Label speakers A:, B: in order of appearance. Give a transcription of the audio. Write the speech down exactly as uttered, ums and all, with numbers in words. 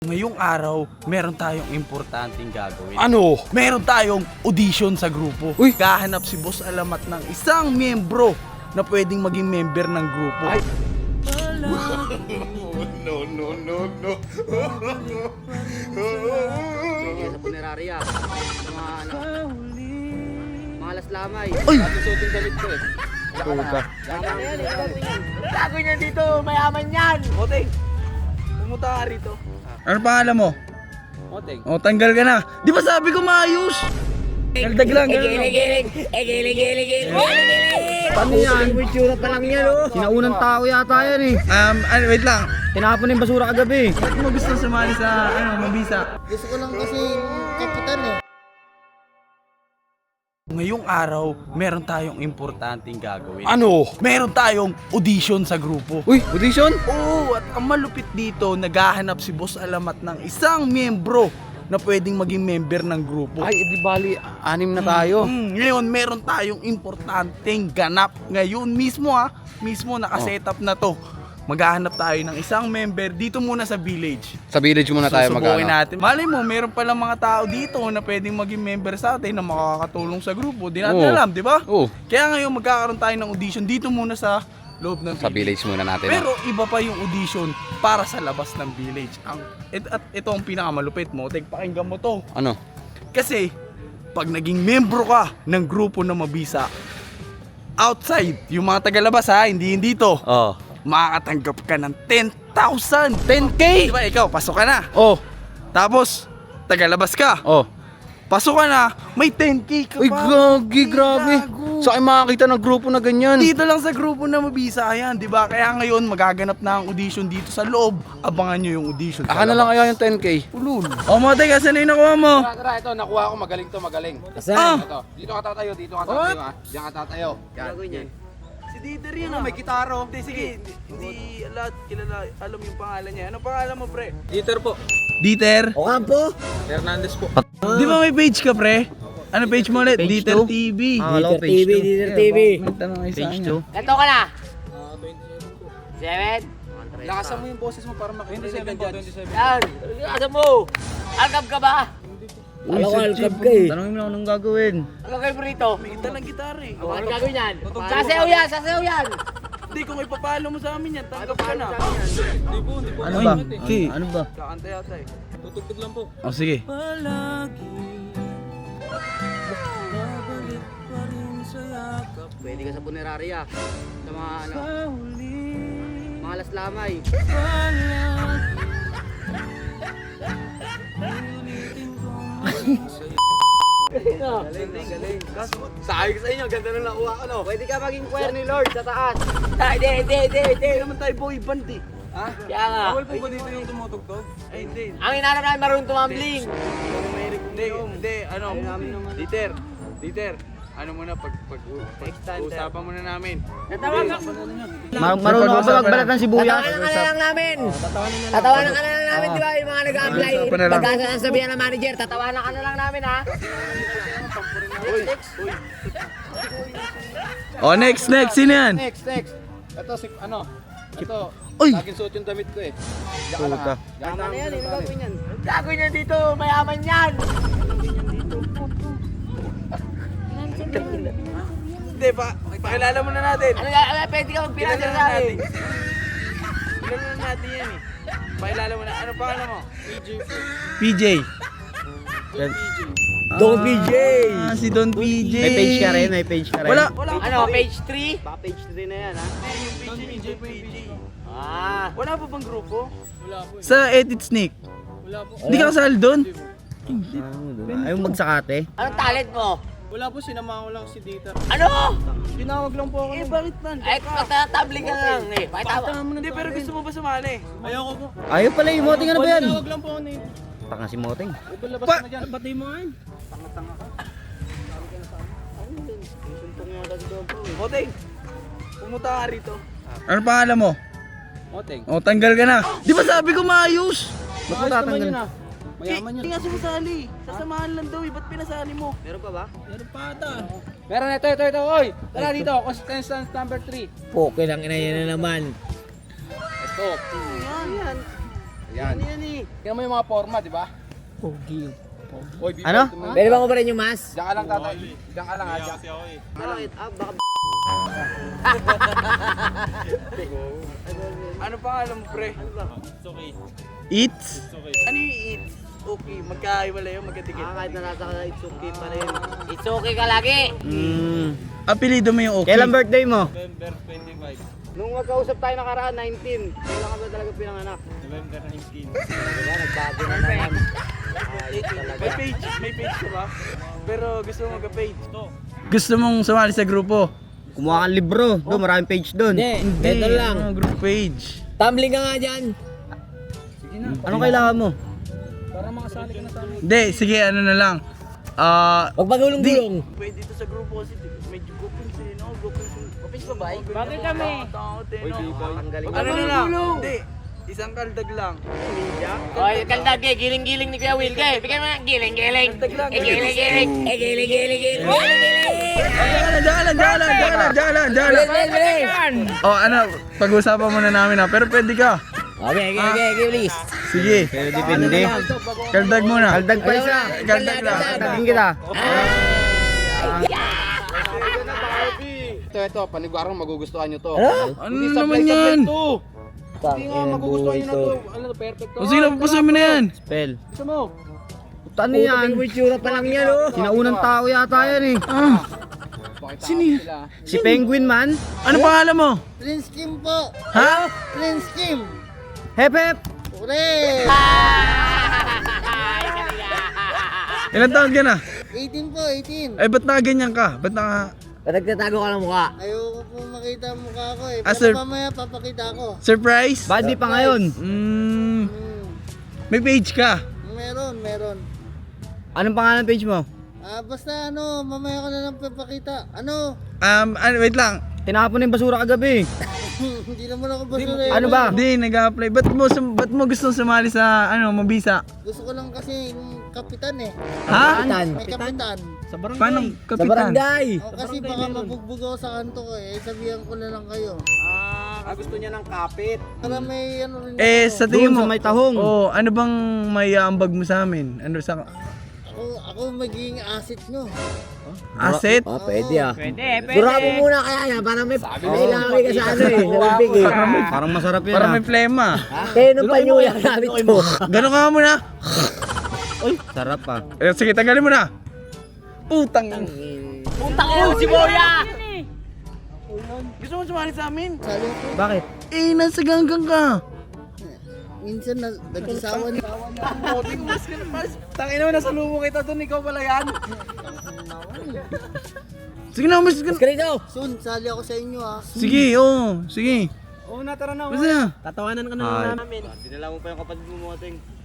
A: Ngayong araw, meron tayong importanteng gagawin.
B: Ano?
A: Meron tayong audition sa grupo.
B: Uy!
A: Kahanap si Boss Alamat ng isang miyembro na pwedeng maging member ng grupo.
B: Ay!
C: No, no, no, no.
D: Kaya sa punerarya, mga ano, mga laslamay.
A: Ay!
D: Susutin damit ko eh.
B: Puta.
D: Yaman na yan, ikaw tingin. Gago niyan dito, mayaman yan.
A: Oteng, pumunta ka rito. Ano pangalan mo?
D: Oteng.
A: O, tanggal ka na. Di ba sabi ko maayos? Nagdag lang, gano'n.
D: Egilig, egilig, egilig, egilig. Paano yan? Itsura pa lang yan oh.
B: Sinaunang tao yata yan eh.
A: Um, ano, wait lang.
B: Tinapon yung basura kagabi.
A: Ba't mo gusto sumali sa, ano, mabisa?
C: Gusto ko lang kasi kapitan eh.
A: Ngayong araw, meron tayong importanteng gagawin.
B: Ano?
A: Meron tayong audition sa grupo.
B: Uy, audition?
A: Oo, at ang malupit dito, naghahanap si Boss Alamat ng isang miyembro na pwedeng maging member ng grupo.
B: Ay, edi bali, anim na tayo.
A: Mm, ngayon, meron tayong importanteng ganap. Ngayon mismo ha, mismo nakasetup na to. Maghahanap tayo ng isang member dito muna sa village.
B: Sa village muna tayo
A: Susubukin
B: mag-ano.
A: natin. Malay mo, meron palang mga tao dito na pwedeng maging member sa atin na makakatulong sa grupo. Di natin
B: Oo.
A: alam, di ba?
B: Oo,
A: Kaya ngayon magkakaroon tayo ng audition dito muna sa loob ng
B: sa village muna natin.
A: Pero iba pa yung audition para sa labas ng village. Ang et, at ito ang pinakamalupit mo. Tek, pakinggan mo to.
B: Ano?
A: Kasi pag naging membro ka ng grupo na mabisa, outside, yung mga tagalabas ha, hindi hindi to,
B: Oh.
A: makakatanggap ka ng ten thousand.
B: ten K?
A: Di ba ikaw, pasok ka na.
B: Oh,
A: Tapos, tagalabas ka.
B: oh.
A: Pasok ka na, may ten K ka
B: Uy,
A: pa.
B: gagi, grabe.
A: Gago.
B: Sa akin makakita ng grupo na ganyan.
A: Dito lang sa grupo na mabisa yan, di ba? Kaya ngayon magaganap na ang audition dito sa loob. Abangan nyo yung audition. sa
B: Aka na lang
A: labas.
B: kaya yung ten K.
A: Ulul. O mo, teka, saan na yung nakuha mo?
D: Tara, tara, ito, nakuha ko, magaling to, magaling.
A: Ah!
D: Ito, dito ka tatayo, dito ka tatayo ha. Diyan ka tatayo.
A: Gago niyan. Si Dieter yun ah. May gitaro. Hindi, sige. Hindi, hindi lahat kilala, alam yung pangalan niya. Ano pangalan mo, pre?
D: Dieter po.
A: Dieter?
D: O kampo. Hernandez po.
A: Di ba may page ka, pre? Ano page mo ulit? Dieter T V.
B: Dieter
D: T V, Dieter T V.
A: Magtanong kayo sa
B: Page
A: kanya.
B: two.
D: Ito ka na. Seven?
E: Lakasan mo yung boses mo para makarinig ka dyan.
D: Yan. Lakasan mo. Alkab ka ba?
B: Alam ko, alkab ka eh. Tanongin mo lang anong gagawin.
D: Ano kayo burrito?
A: May kita ng gitara eh.
D: Ano ang gagawin yan? Sasayaw yan, sasayaw yan.
A: Hindi, kung ipapalo mo sa amin yan, tanggap ka na.
B: Ano ba? Ano, ano ba?
A: Kakanta yata eh.
E: Tutugtog lang po.
A: O sige.
D: Pwede ka sa punerarya. Sa mga ano, mga laslamay.
A: Galing, galing.
D: Sabi ko sa inyo, ganda na nakuha ko no. Pwede ka maging choir ni Lord sa taas. Ah, Hindi, hindi, hindi, hindi.
A: Hindi naman tayo boy band eh.
D: Ha? Kaya nga.
E: Bawal po ba dito yung tumutugtog?
A: Ay, hindi.
D: Ang inanap namin marunong tumambling.
A: Hindi, hindi, ano, Dieter, Dieter, ano muna, pag, pag, pag, usapan muna namin.
D: Natawag ka.
B: Mar marunong ka ba magbalat ng sibuyas?
D: Tatawanan ka na lang namin. Tatawanan ka na lang namin, di ba? Yung mga nag-apply.
A: Usapan na lang.
D: Pagkasa sabihan ng manager, tatawanan ka na lang namin, ha?
A: O, next, next, sino yan?
E: Next, next. Ito si, ano? Ito.
A: Uy!
E: Laging suot yung damit ko eh. Diyan ka lang ha.
B: Puta.
E: Diyan ka
D: Tama
E: lang.
D: na yan, eh. Ano gagawin yan? Gagawin yan dito, mayaman yan.
A: Hindi, pa, pakilala mo na natin.
D: Ano nga, ano, pwede ka magpinasal
A: Kilala
D: sa amin.
A: natin. Kilala natin yan eh. Pakilala mo na, ano pangalan mo? P J.
B: Don P J.
A: Ah, si Don P J.
B: May page ka rin, may page ka rin.
A: Wala, wala.
D: Ano, page three? Baka page three na yan, ha?
A: Yung P J, P J, P J.
D: Ah.
A: Wala pa bang grupo?
E: Wala po eh.
A: Sa Edit Snake.
E: Wala po.
A: Hindi ka kasali doon?
B: Ayaw magsakate.
D: Anong talent mo?
E: Wala po, sinama ko lang si Dieter.
D: Ano?
E: Tinawag lang po ako.
A: Eh, bakit man?
D: Ay, tatabling ka na lang, eh. Pakita mo.
A: Hindi, pero gusto mo ba sumali?
E: Ayoko po.
B: Ayaw pala yung moting ano ba yan?
E: Tinawag lang po ako na yun.
B: Taka si moting.
E: Ito labas
A: Pa-
E: na dyan. Pati mo ngayon.
A: Boting, pumunta ka rito. Ano pangalan mo?
E: Oteng.
A: O, tanggal ka na. Di ba sabi ko maayos?
B: Ba't mo
E: Ayos naman
B: tatanggal?
E: yun ah. Mayaman yun.
A: Hindi nga sumasali. Sasamahan lang daw eh. Ba't pinasali mo?
D: Meron pa ba?
E: Meron pa ata. Meron ito, ito, ito. Oy! Tara dito. Contestant number three.
D: Poke lang ina yan na naman.
E: Ito.
A: Yan, yan.
E: Yan.
D: Yan eh.
E: Tingnan mo yung mga forma, di ba?
C: Pogi.
E: Oy, Bibo,
B: Ano?
E: tumingin.
D: Pwede ba ko pa rin yung mas?
E: Diyan ka lang tatay. Diyan ka lang ha. Diyan.
D: Bakit? Ah, baka
A: Ano pangalan mo, pre?
B: Eats?
A: Ano yung eats? Okay, magkaiwala yun, magkatikit.
D: Ah, kahit na nasa ka, it's okay pa rin. It's okay ka lagi.
B: Mm.
A: Apelido mo yung okay.
B: Kailan birthday mo?
D: Nung magkausap tayo nakaraan, nineteen. Kailan ka ba talaga pinanganak? November nineteen. Wala, nagbago na naman. Ayos talaga.
A: May page, may page ka ba? Pero gusto mo magka-page. Gusto mong sumali sa grupo?
B: Kumuha kang libro. Doon, maraming page doon.
D: Hindi, ito lang.
A: Ano, group page.
D: Tumbling ka nga dyan.
B: Anong kailangan mo?
E: Para makasali ka na sa amin.
A: Hindi, sige, ano na lang. Ah,
D: Huwag magulong-gulong.
A: pwede dito sa grupo kasi medyo groupings eh, no? Groupings.
D: Groupings ba ba?
A: Bakit kami? Ano na lang? Hindi. Isang kaldag lang.
D: Oy, kaldag eh. Giling-giling ni Kuya Will. Kaya, bigyan mo na. Giling-giling. Eh, giling-giling. Eh, giling-giling. Giling-giling.
A: Diyan lang, diyan lang, diyan lang, diyan lang, diyan lang, diyan lang. Oh, ano, pag-usapan muna namin ha, pero pwede ka.
D: Okay, okay, okay, okay, please.
A: Sige,
B: Pero depende.
A: kaldag muna.
B: Kaldag pa isa.
A: Kaldag lang.
B: Kaldaggin kita.
E: Ito, ito. Paniguarang magugustuhan nyo to.
A: Ano naman yan?
E: Hindi nga magugustuhan nyo na to. Ano to, perfect to.
A: O sige, napapasamin mo na yan.
B: Spell.
E: Gusto mo?
B: Ano yan?
D: Itsura pa lang yan, oh.
B: Sinaunang tao yata yan eh.
A: Ah,
E: Pakita
A: Sino
E: ko
A: yun?
E: sila.
B: Si Penguin man.
A: ano pangalan mo?
C: Prince Kim po.
A: Ha?
C: Prince Kim.
B: Hep hep.
C: Ure.
A: Ilan taon ka na?
C: eighteen po, eighteen.
A: Eh, ba't nakaganyan ka? Ba't naka...
D: Ba't nagtatago ka ng mukha?
C: Ayoko po makita ang mukha ko eh.
A: Ah,
C: Pero
A: sir.
C: mamaya papakita ko.
A: Surprise?
B: Bad di pa ngayon.
A: Mm,
C: Hmm.
A: may page ka.
C: Meron, meron.
B: Anong pangalan page mo?
C: Ah, basta ano, mamaya ko na lang papakita. Ano?
A: Um, ano, wait lang.
B: Tinapon na yung basura kagabi.
C: Hindi naman ako basura eh.
B: Ano ba?
A: Hindi, nag-apply. Ba't mo, sum- ba't mo gustong sumali sa, ano, mabisa?
C: Gusto ko lang kasi yung kapitan eh.
A: Ha?
C: May kapitan.
A: Paano,
D: Sa
A: kapitan?
D: barangay.
C: O, kasi baka mabugbog ako sa kanto ko eh. Sabihan ko na lang kayo.
E: Ah, gusto niya ng kapit.
C: Para may ano rin
A: Eh,
C: ako.
A: sa tingin
B: Doon
A: mo,
B: sa may tahong.
A: oh, ano bang may ambag mo sa amin? Ano sa
C: Ako, ako magiging asset nyo.
A: asset?
D: Oh, pwede ah. Pwede, pwede. Dura mo muna kaya yan. Parang may kailangan ka sa ano eh. Sa bibig eh.
B: Parang masarap yan
A: Para
B: ah.
A: may plema.
D: Kaya nung panyuya namin to.
A: Ganon ka muna.
B: Sarap ah.
A: Eh, sige, tanggalin mo na. Putang.
D: Puntang ino si Boya!
A: Gusto mo sumali sa amin?
C: Sali ko.
B: Bakit?
A: Eh, nasa ganggang ka.
C: Minsan na, nagsasawa na.
A: Tangina mo, nasa lumo kita doon. Ikaw pala yan. Sige na, mas...
D: Mas ka rito!
C: Soon, sali ako sa inyo ah.
A: Sige, oo. Sige.
E: Oo na, tara na.
A: Basta.
E: Tatawanan ka
B: Ay.
E: namin.
D: Dinala mo pa yung kapatid mo, Moting.